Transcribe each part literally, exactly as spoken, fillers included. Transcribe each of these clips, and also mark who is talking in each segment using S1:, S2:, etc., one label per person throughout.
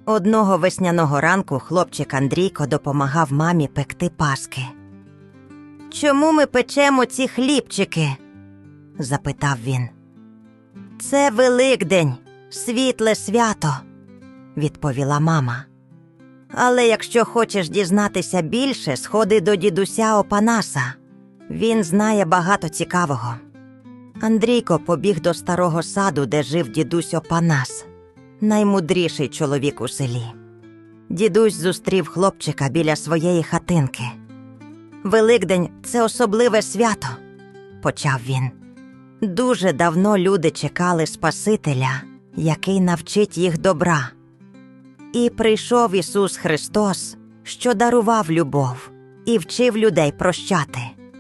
S1: Одного весняного ранку хлопчик Андрійко допомагав мамі пекти паски. «Чому ми печемо ці хлібчики?» – запитав він. «Це Великдень, світле свято», – відповіла мама. «Але якщо хочеш дізнатися більше, сходи до дідуся Опанаса. Він знає багато цікавого». Андрійко побіг до старого саду, де жив дідусь Опанас, наймудріший чоловік у селі. Дідусь зустрів хлопчика біля своєї хатинки. «Великдень – це особливе свято», – почав він. «Дуже давно люди чекали Спасителя, який навчить їх добра. І прийшов Ісус Христос, що дарував любов і вчив людей прощати.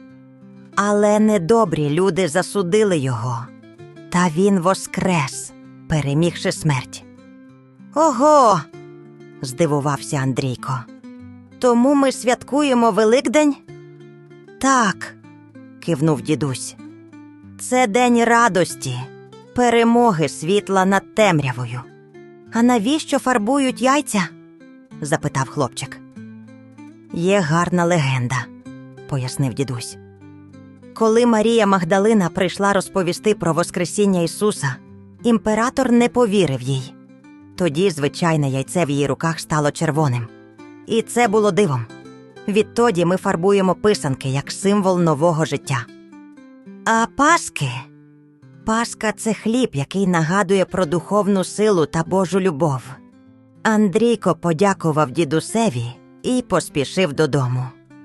S1: Але недобрі люди засудили Його, та Він воскрес, перемігши смерть». «Ого!» – здивувався Андрійко. «Тому ми святкуємо Великдень?» «Так», – кивнув дідусь. «Це день радості, перемоги світла над темрявою». «А навіщо фарбують яйця?» – запитав хлопчик. «Є гарна легенда», – пояснив дідусь. «Коли Марія Магдалина прийшла розповісти про Воскресіння Ісуса, імператор не повірив їй. Тоді звичайне яйце в її руках стало червоним. І це було дивом. Відтоді ми фарбуємо писанки як символ нового життя». «А паски?» «Паска – це хліб, який нагадує про духовну силу та Божу любов». Андрійко подякував дідусеві і поспішив додому.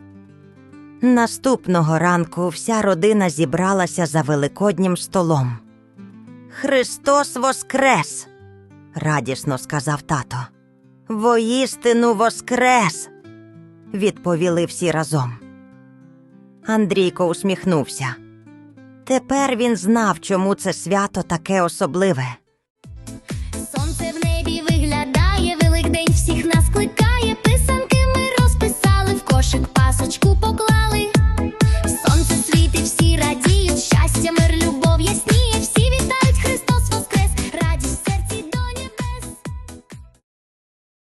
S1: Наступного ранку вся родина зібралася за великоднім столом. «Христос воскрес!» – радісно сказав тато. «Воістину воскрес!» – відповіли всі разом. Андрійко усміхнувся. Тепер він знав, чому це свято таке особливе.